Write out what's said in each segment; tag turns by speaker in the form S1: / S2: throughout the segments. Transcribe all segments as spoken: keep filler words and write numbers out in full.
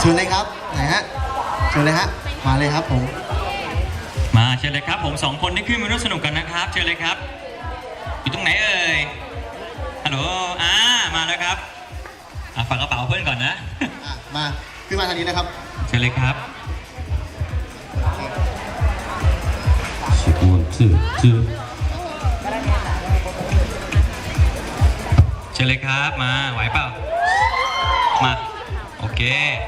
S1: ชิญเลยครับไหนฮะเชิญเลยฮะมาเลยครับผม
S2: มาเชิญเลยครับผมสองคนที่ขึ้นมาร่วมสนุกกันนะครับเชิญเลยครับอยู่ตรงไหนเอ่ยฮัลโหลอ่ามาแล้วครับอ่ะฝากกระเป๋าเพื่อนก่อนนะ
S1: อ่ะมาขึ้นมาทางนี้นะครับ
S2: เชิญเลยครับ
S3: one two two
S2: เชิญเลยครับมาไหวเปล่ามาโอเค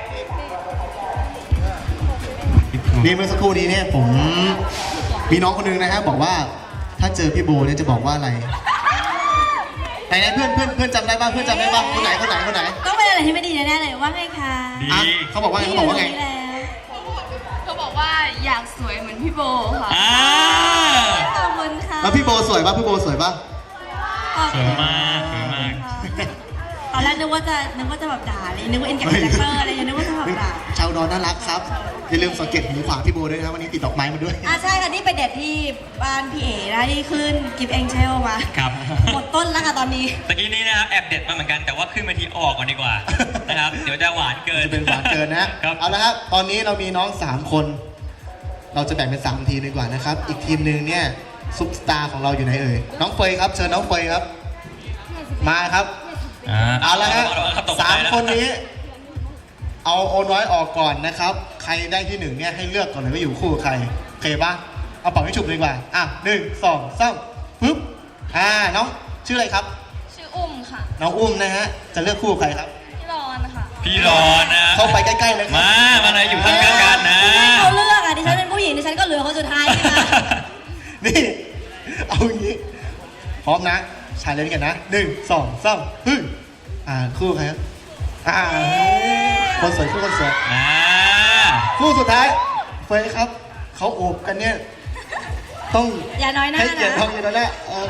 S1: นี่เมื่อสักครู่นี้เนี่ยผมมีน้องคนนึงนะฮะบอกว่าถ้าเจอพี่โบเนี่ยจะบอกว่าอะไรไหนๆเพื่อนเพื่อนเพื่อนจำได้บ้างเพื่อนจำได้บ้างคนไหนคนไหนคนไหน
S4: ต้องเป็นอะไรที่ไม่ดีแน่ๆเลยว่าไงคะ
S2: ดี
S1: เขาบอกว่าไงเขาบอกว่าไง
S4: เขาบอกว่าอยากสวยเหมือนพี่โบค่ะขอบคุณค่ะ
S1: แล้วพี่โบสวยป่ะพี่โบสวยป่ะ
S2: สวยมากสวยมาก
S4: ตอนแรกนึกว่าจะนึกว่าจะแบบด่าเลยนึกว่าเอ็นแกคาแรคเตอร์อะไรนึกว่าจะแบบด่า
S1: ชาวดอนน่ารักครับอย่าลืมสังเกตหูขวาพี่โบด้วยนะครับวันนี้ติดดอกไม้มาด้วย
S4: อ่ะใช่ค่ะนี่ไปเด็ดที่บ้านพี่เอ๋นะที่ขึ้นกิฟต์เอ็งเชลมา
S2: ครับ
S4: หมดต้นแล้วค่ะตอนนี้
S2: ตะกี้นี้นะครับแอบเด็ดมาเหมือนกันแต่ว่าขึ้นมาทีออกก่อนดีกว่านะครับเดี๋ยวจะหวานเกิน
S1: จะเป็นหวานเกินนะครับเอาละครับตอนนี้เรามีน้องสามคนเราจะแบ่งเป็นสามทีมดีกว่านะครับอีกทีมหนึ่งเนี่ยซุปสตาร์ของเราอยู่ไหนเอ่ยน้องเฟยครับเชิญน้องเฟยครับมาครับเอาละฮะสามคนนี้เอาโอน้อยออกก่อนนะครับใครได้ที่หนึ่งเนี่ยให้เลือกก่อนเลยว่าอยู่คู่กับใครโอเคปะเอาเป่าให้ฉุบเลยดีกว่าอ่ะหนึ่งสองสามปึ๊บอ่าน้องชื่ออะไรครับ
S4: ชื่ออุ้มค่ะ
S1: น้องอุ้มนะฮะจะเลือกคู่กับใครครับ
S4: พี่รอนค่ะ
S2: พี่รอนนะ
S1: เข้าไปใกล้ๆเลย
S2: มามาเลยอยู่ข้างๆกันนะ
S4: เขาเลือกอ่ะดิฉันเป็นผู้หญิงดิฉันก็เหลือคนสุดท้ายนะคะ
S1: นี่เอาอย่างนี้พร้อมนะชายเล่นกันนะหนึ่งสองสามฮึอ่าคู่ใครครับอ่าคนสวยคู่คนสวย
S2: อ่า
S1: คู่สุดท้ายเฟยครับเขาโอบกันเนี่ยต้อง
S4: อย่าน้อยหน้า
S1: ให้เกียรติทองอยู่แล้วแหละ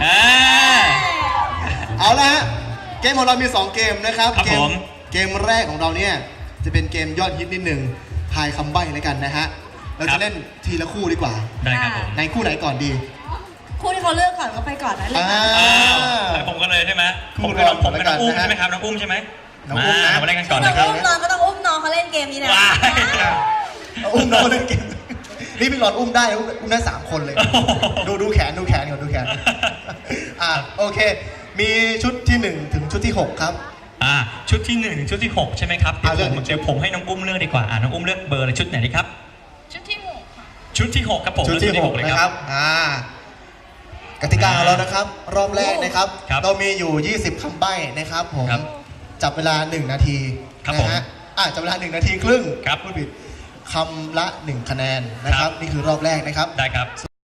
S1: เอาละฮะเกมของเรามีสองเกมนะครับเกมเกมแรกของเราเนี่ยจะเป็นเกมยอดฮิตนิดหนึ่งทายคำใบ้แล้วกันนะฮะเราจะเล่นทีละคู่ดีกว่า
S2: ได้ครับผม
S1: ในคู่ไหนก่อนดี
S4: คู่ที่เขาเลือกก่อนก็ไปก่อนนะเลย
S2: ผมก็เลยใช่ไหมผมกับน้องผมกับน้องอุ้มใช่ไหมครับน้องอุ้มใช่ไหม
S1: น้องอุ้มนะ
S2: มาเล่นกันก่อนนะครับ
S4: อุ้มน้องก็ต้องอุ้มน้องเขาเล่นเกมนี้นะ
S1: อุ้มน้องเล่นเกมนี่พี่หลอดอุ้มได้อุ้มได้สามคนเลยดูดูแขนดูแขนก่อนดูแขนอ่าโอเคมีชุดที่หนึ่งถึงชุดที่หกครับ
S2: อ่าชุดที่หนึ่งถึงชุดที่หกใช่ไหมครับเดี๋ยวผมเดี๋ยวผมให้น้องอุ้มเลือกดีกว่าอ่าน้องอุ้มเลือกเบอร์อะไรชุดไหนดีครับ
S4: ชุดที่หก
S2: ชุดที่หกครับผม
S1: ชุดที่หกเลยครับอ่ากติกาของเรานะครับรอบแรกนะครับเรามีอยู่ยี่สิบคำใบ้นะครับผมจับเวลาหนึ่งนาทีนะฮะอ่าจับเวลาหนึ่งนาทีครึ่ง
S2: ครับ
S1: พูดผิดคำละหนึ่งคะแนนนะครับนี่คือรอบแรกนะครับ
S2: ได้ครับ